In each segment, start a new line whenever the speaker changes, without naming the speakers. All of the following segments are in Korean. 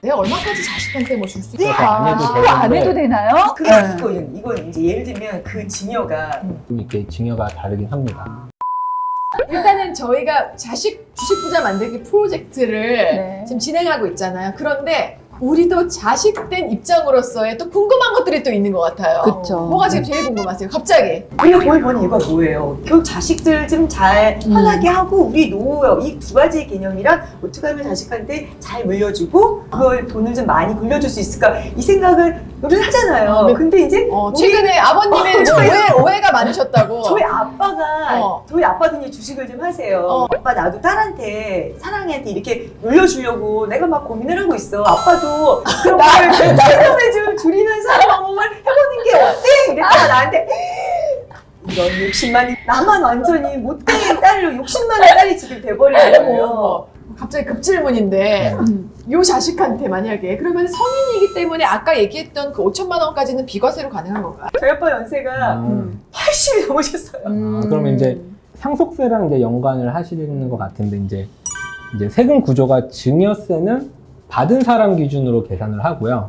내가 얼마까지 자식한테 뭐 줄 수 있을까?
안 해도
그거 안 해도 되나요?
그게 이건 이제 예를 들면 그 증여가
좀 이렇게 증여가 다르긴 합니다.
일단은 저희가 자식 주식 부자 만들기 프로젝트를
네.
지금 진행하고 있잖아요. 그런데 우리도 자식된 입장으로서의 또 궁금한 것들이 또 있는 것 같아요.
그쵸.
뭐가 지금 제일 궁금하세요? 갑자기.
우리가 거의 보는 이유가 뭐예요? 결국 자식들 좀 잘 편하게 하고 우리 노후요. 이 두 가지 개념이랑 어떻게 하면 자식한테 잘 물려주고 그걸 돈을 좀 많이 물려줄 수 있을까 이 생각을 우리는 하잖아요.
네.
근데 이제
최근에 아버님의 오해가 많으셨다고.
저희 아빠가
어.
저희 아빠도 이제 주식을 좀 하세요. 아빠 나도 딸한테 사랑이한테 이렇게 물려주려고 내가 막 고민을 하고 있어. 아빠도 그런 걸 세금을 좀 줄이는 사는 방법을 해보는 게 어때? 이랬다가 나한테 이런 60만이 나만 완전히 못된 딸로 60만의 딸이 지금 돼버린 거예요.
갑자기 급질문인데 요 자식한테 만약에 그러면 성인이기 때문에 아까 얘기했던 그 5천만 원까지는 비과세로 가능한 건가요?
저희 아빠 연세가 80이 넘으셨어요.
그러면 이제 상속세랑 이제 연관을 하시는 것 같은데 이제 세금 구조가 증여세는 받은 사람 기준으로 계산을 하고요.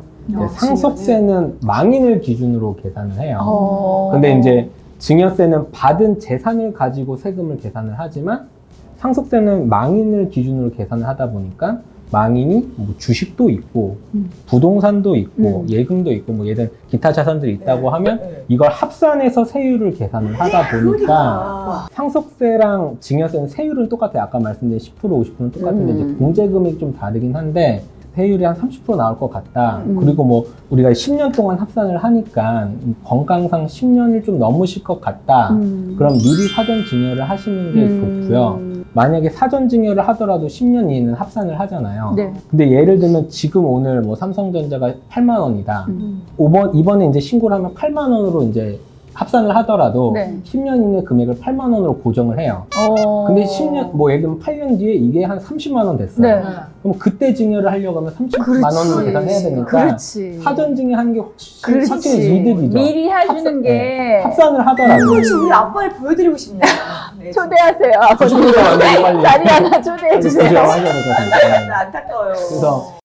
상속세는 망인을 기준으로 계산을 해요. 근데 이제 증여세는 받은 재산을 가지고 세금을 계산을 하지만 상속세는 망인을 기준으로 계산을 하다 보니까 망인이 뭐 주식도 있고 부동산도 있고 예금도 있고 뭐 예를 기타 자산들이 있다고 하면 이걸 합산해서 세율을 계산을 하다 보니까 상속세랑 증여세는 세율은 똑같아요. 아까 말씀드린 10% 50%는 똑같은데 이제 공제금액이 좀 다르긴 한데 세율이 한 30% 나올 것 같다. 그리고 뭐 우리가 10년 동안 합산을 하니까 건강상 10년을 좀 넘으실 것 같다. 그럼 미리 사전 증여를 하시는 게 좋고요. 만약에 사전 증여를 하더라도 10년 이내는 합산을 하잖아요.
네.
근데 예를 들면 지금 오늘 뭐 삼성전자가 8만 원이다. 이번에 이제 신고를 하면 8만 원으로 이제 합산을 하더라도
네.
10년 이내 금액을 8만 원으로 고정을 해요. 근데 10년, 뭐 예를 들면 8년 뒤에 이게 한 30만 원 됐어요.
네.
그럼 그때 증여를 하려고 하면 30만 원으로 계산해야 되니까
그렇지.
사전 증여하는 게 확실히
그렇지.
이득이죠.
미리 해주는 게
합산을 하더라도
그렇지 우리 아빠를 보여드리고 싶네요. 네,
초대하세요.
주식으로 완전히 빨리
자리 하나 초대해 주세요.
하셔야 될 것 같아요.
안타까워요.
그래서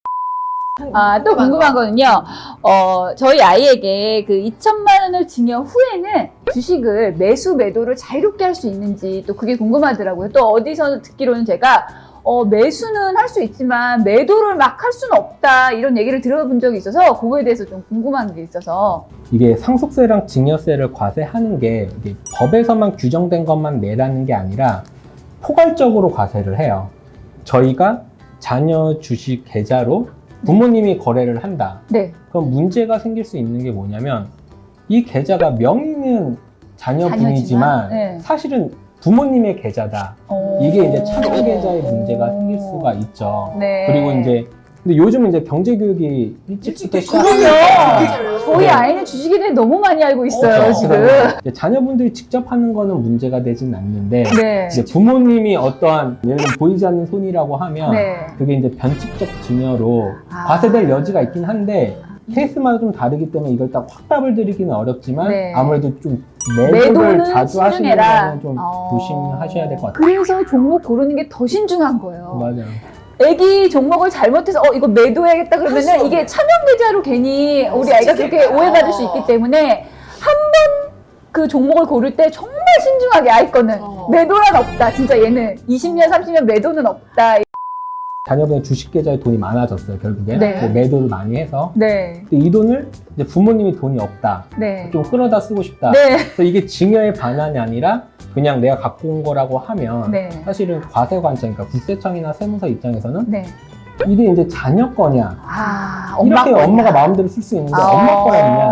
또 궁금한 거는요. 저희 아이에게 그 2천만 원을 증여 후에는 주식을 매수 매도를 자유롭게 할 수 있는지 또 그게 궁금하더라고요. 또 어디서 듣기로는 제가 매수는 할 수 있지만 매도를 막 할 수는 없다 이런 얘기를 들어본 적이 있어서 그거에 대해서 좀 궁금한 게 있어서.
이게 상속세랑 증여세를 과세하는 게 이게 법에서만 규정된 것만 내라는 게 아니라 포괄적으로 과세를 해요. 저희가 자녀 주식 계좌로 부모님이 거래를 한다.
네.
그럼 문제가 생길 수 있는 게 뭐냐면 이 계좌가 명의는 자녀분이지만
네.
사실은 부모님의 계좌다. 이게 이제 차별 계좌의 문제가 생길 수가 있죠.
네.
그리고 이제 근데 요즘은 이제 경제 교육이 일찍부터
그럼요.
시작하니까
저희 아이는 주식에 대해 너무 많이 알고 있어요, 지금.
이제 자녀분들이 직접 하는 거는 문제가 되진 않는데
네.
이제 부모님이 어떠한 예를 들면 보이지 않는 손이라고 하면
네.
그게 이제 변칙적 증여로
아.
과세될 여지가 있긴 한데 케이스마다 좀 다르기 때문에 이걸 딱 확답을 드리기는 어렵지만
네.
아무래도 좀
매도는
매도를 자주 하시는
신중해라.
거는 좀 조심하셔야 될 것 같아요.
그래서 종목 고르는 게 더 신중한 거예요.
맞아요.
애기 종목을 잘못해서 이거 매도해야겠다 그러면은 이게 차명 계좌로 괜히 우리 아이가 그렇게 오해받을 수 있기 때문에 한 번 그 종목을 고를 때 정말 신중하게 아이 거는 매도란 없다. 진짜 얘는 20년, 30년 매도는 없다.
자녀분의 주식 계좌에 돈이 많아졌어요, 결국에.
네.
뭐 매도를 많이 해서.
네.
근데 이 돈을 이제 부모님이 돈이 없다.
네.
좀 끌어다 쓰고 싶다.
네.
그래서 이게 증여의 반환이 아니라 그냥 내가 갖고 온 거라고 하면
네.
사실은 과세 관점, 그러니까 국세청이나 세무서 입장에서는
네.
이게 이제 자녀 거냐, 이렇게
거냐.
엄마가 마음대로 쓸 수 있는데 엄마 거였냐,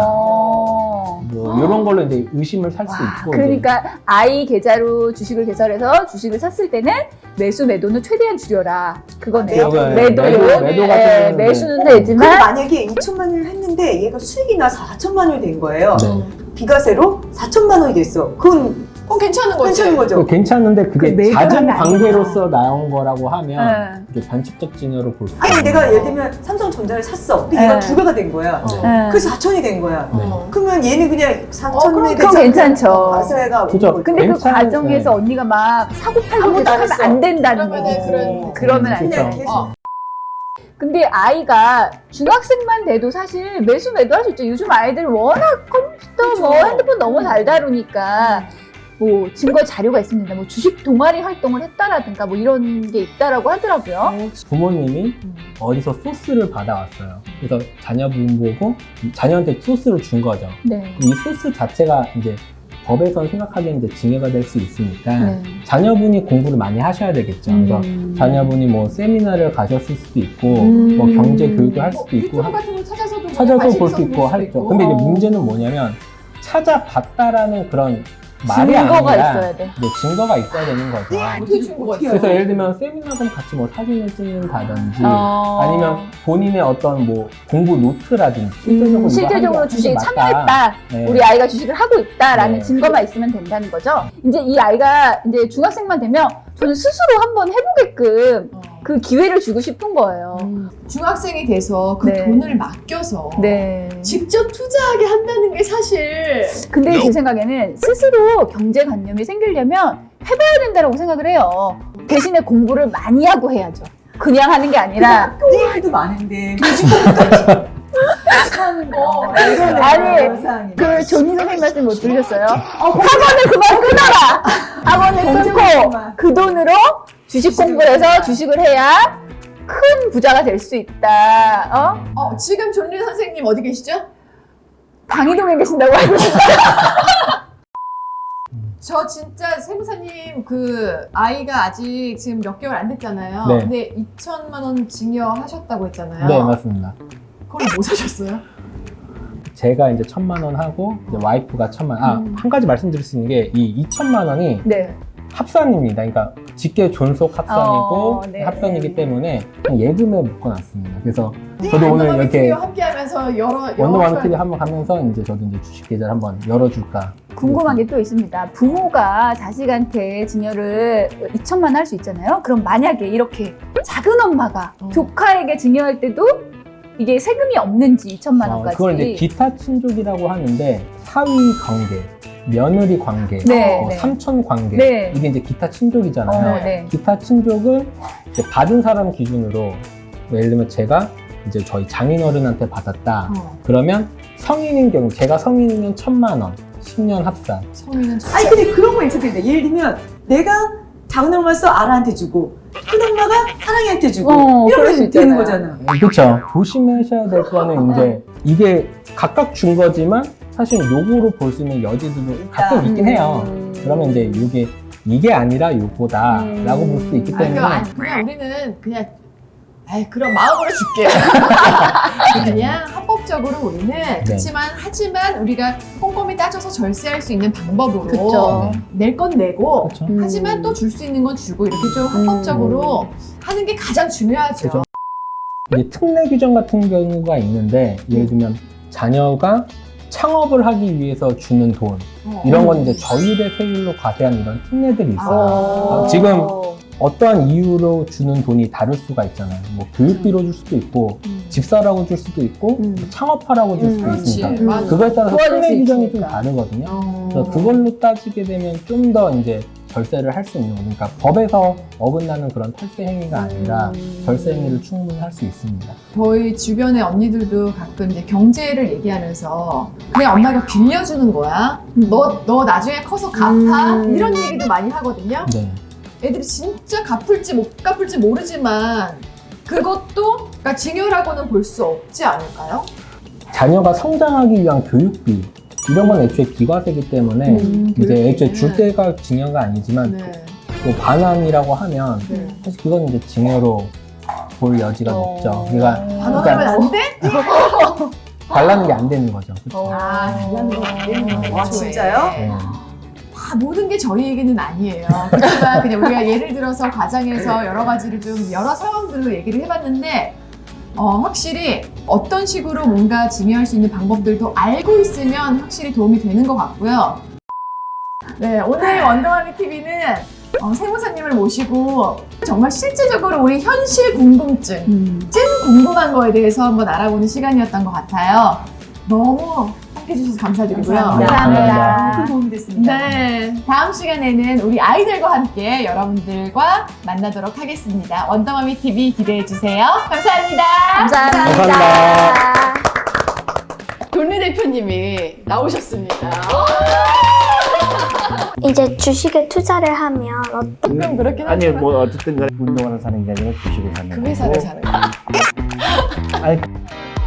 어.
뭐 이런 걸로 이제 의심을 살 수 있고.
그러니까 아이 계좌로 주식을 개설해서 주식을 샀을 때는 매수 매도는 최대한 줄여라. 그거네요. 매도요.
매도 같은
네,
경우는
매수는
근데
되지만
만약에 2천만 원을 했는데 얘가 수익이 나서 4천만 원이 된 거예요.
네.
비과세로 4천만 원이 됐어. 그건
괜찮은 거지.
괜찮은 거죠.
괜찮은데 그게
그
잦은
매도는
관계로서 나온 거라고 하면 이게 변칙적 증여로 볼 수 있어요.
아니 내가 예를 들면 삼성전자를 샀어. 근데 얘가 2배가 된 거야. 그래서 4천이 된 거야. 그러면 얘는 그냥 4천이
그럼 괜찮죠.
과세가
그죠.
근데 그
괜찮은-
과정에서
네.
언니가 막 사고 팔고
아무것도 안
계속하면
했어.
안 된다는
그러면은
거.
그런-
그러면 안
그쵸.
돼.
그냥 계속
근데 아이가 중학생만 돼도 사실 매수 매도할 수 있죠. 요즘 아이들 워낙 컴퓨터, 뭐 핸드폰 너무 잘 다루니까 뭐 증거 자료가 있습니다. 뭐 주식 동아리 활동을 했다라든가 뭐 이런 게 있다라고 하더라고요.
부모님이 어디서 소스를 받아왔어요. 그래서 자녀분 보고 자녀한테 소스를 준 거죠.
네.
이 소스 자체가 이제 법에선 생각하기엔 이제 징계가 될 수 있으니까
네.
자녀분이 공부를 많이 하셔야 되겠죠. 그래서 자녀분이 뭐 세미나를 가셨을 수도 있고 뭐 경제 교육을 할 수도 있고
유튜브 같은 거 찾아서도
볼 수 있고 하죠. 근데 이제 문제는 뭐냐면 찾아봤다라는 그런 말이
증거가
아니라
있어야 돼.
네, 증거가 있어야 되는 거죠.
어떻게 증거가 있어요?
그래서 예를 들면 세미나든 같이 뭐 사진을 찍는다든지 아니면 본인의 어떤 뭐 공부 노트라든지
실질적으로 주식에 참여했다.
네.
우리 아이가 주식을 하고 있다라는
네.
증거만 있으면 된다는 거죠. 이제 이 아이가 이제 중학생만 되면 저는 스스로 한번 해보게끔 그 기회를 주고 싶은 거예요.
중학생이 돼서 그
네.
돈을 맡겨서
네.
직접 투자하게 한다는 게 사실
근데 제 생각에는 스스로 경제관념이 생기려면 해봐야 된다고 생각을 해요. 대신에 공부를 많이 하고 해야죠. 그냥 하는 게 아니라.
학교 일도 많은데 하는 거
아니, 그 존니 선생님 말씀 못 들으셨어요? 학원을 그만 끊어라! 학원을 끊고 그 돈으로 주식 공부를 해서 주식을 해야 큰 부자가 될 수 있다.
지금 존리 선생님 어디 계시죠?
방이동에 계신다고 알고 있어요.
저 진짜 세무사님 그 아이가 아직 지금 몇 개월 안 됐잖아요.
네.
근데 2천만 원 징여하셨다고 했잖아요.
네, 맞습니다.
그걸 뭐 사셨어요?
제가 이제 1,000만 원 하고 이제 와이프가 1,000만 원. 한 가지 말씀드릴 수 있는 게 이 2,000만 원이
네.
합산입니다. 그러니까 직계 존속 합산이고
네.
합산이기 때문에 그냥 예금에 묶어놨습니다. 그래서 저도 오늘 이렇게
함께하면서 여러
원더마미 TV 한번 가면서 이제 저도 이제 주식 계좌를 한번 열어줄까.
궁금한 게 또 있습니다. 부모가 자식한테 증여를 2천만 원 할 수 있잖아요. 그럼 만약에 이렇게 작은 엄마가 조카에게 증여할 때도 이게 세금이 없는지 2천만 원까지.
그걸 이제 기타 친족이라고 하는데 사위 관계, 며느리 관계,
네, 네.
삼촌 관계
네.
이게 이제 기타 친족이잖아요.
네.
기타 친족은 이제 받은 사람 기준으로 예를 들면 제가 이제 저희 장인어른한테 받았다. 그러면 성인인 경우 제가 성인이면 1,000만 원, 10년 합산.
성인은
아니 근데 그런 거 있을 텐데 예를 들면 내가 작은 엄마서 아라한테 주고 큰 엄마가 사랑이한테 주고
그럴 수
이러면 되는
있잖아요.
거잖아.
그렇죠. 조심하셔야 될 거는 이제 이게 각각 준 거지만 사실 요거로 볼 수 있는 여지도 가끔 있긴 해요. 그러면 이제 이게 아니라 요거다라고 볼 수 있기 때문에
그냥 우리는 그냥 그럼 마음으로 줄게. 그냥 합법적으로 우리는 그렇지만 하지만 우리가 꼼꼼히 따져서 절세할 수 있는 방법으로
그쵸.
낼 건 내고
그렇죠.
하지만 또 줄 수 있는 건 주고 이렇게 좀 합법적으로 하는 게 가장 중요하죠.
그죠. 이제 특례 규정 같은 경우가 있는데 예를 들면 자녀가 창업을 하기 위해서 주는 돈 이런 건 이제 저율의 세율로 과세한 이런 특례들이 있어요. 지금 어떠한 이유로 주는 돈이 다를 수가 있잖아요. 뭐 교육비로 줄 수도 있고 집사라고 줄 수도 있고 창업하라고 줄 수도 있으니까
맞아.
그거에 따라서
도와줄
특례
수
규정이
있으니까.
좀 다르거든요. 그래서 그걸로 따지게 되면 좀 더 이제 절세를 할 수 있는 거죠. 그러니까 법에서 어긋나는 그런 탈세 행위가 아니라 절세 행위를 충분히 할 수 있습니다.
저희 주변의 언니들도 가끔 이제 경제를 얘기하면서 그냥 엄마가 빌려주는 거야. 너 나중에 커서 갚아. 이런 얘기도 많이 하거든요.
네.
애들이 진짜 갚을지 못 갚을지 모르지만 그것도 그러니까 징여라고는 볼 수 없지 않을까요?
자녀가 성장하기 위한 교육비 이런 건 애초에 비과세이기 때문에 이제 애초에 줄 때가 징여가 아니지만
네.
또 반환이라고 하면
네.
사실 그건 이제 징여로 볼 여지가 높죠. 그러니까
반환하면 안 돼?
달라는 게 안 되는 거죠. 그렇죠?
달라는 건 안 되는 거죠.
와, 진짜요?
네.
다 모든 게 저희 얘기는 아니에요. 그렇지만 그냥 우리가 예를 들어서 과장해서 여러 가지를 좀 여러 상황들로 얘기를 해봤는데 확실히 어떤 식으로 뭔가 징여할 수 있는 방법들도 알고 있으면 확실히 도움이 되는 것 같고요. 네, 오늘 원더마미 TV는 세무사님을 모시고 정말 실제적으로 우리 현실 궁금증, 찐 궁금한 거에 대해서 한번 알아보는 시간이었던 것 같아요. 너무 함께 해주셔서 감사드리고요.
감사합니다.
큰 도움이 됐습니다. 네. 다음 시간에는 우리 아이들과 함께 여러분들과 만나도록 하겠습니다. 원더머미 TV 기대해 주세요. 감사합니다.
감사합니다.
돈리 대표님이 나오셨습니다.
이제 주식에 투자를 하면
그럼 그렇긴
아니
하지만
뭐 어쨌든 간에 운동하는 사는 게 아니라 주식을 사는
그 회사를
거고.
사는 거예요.
아니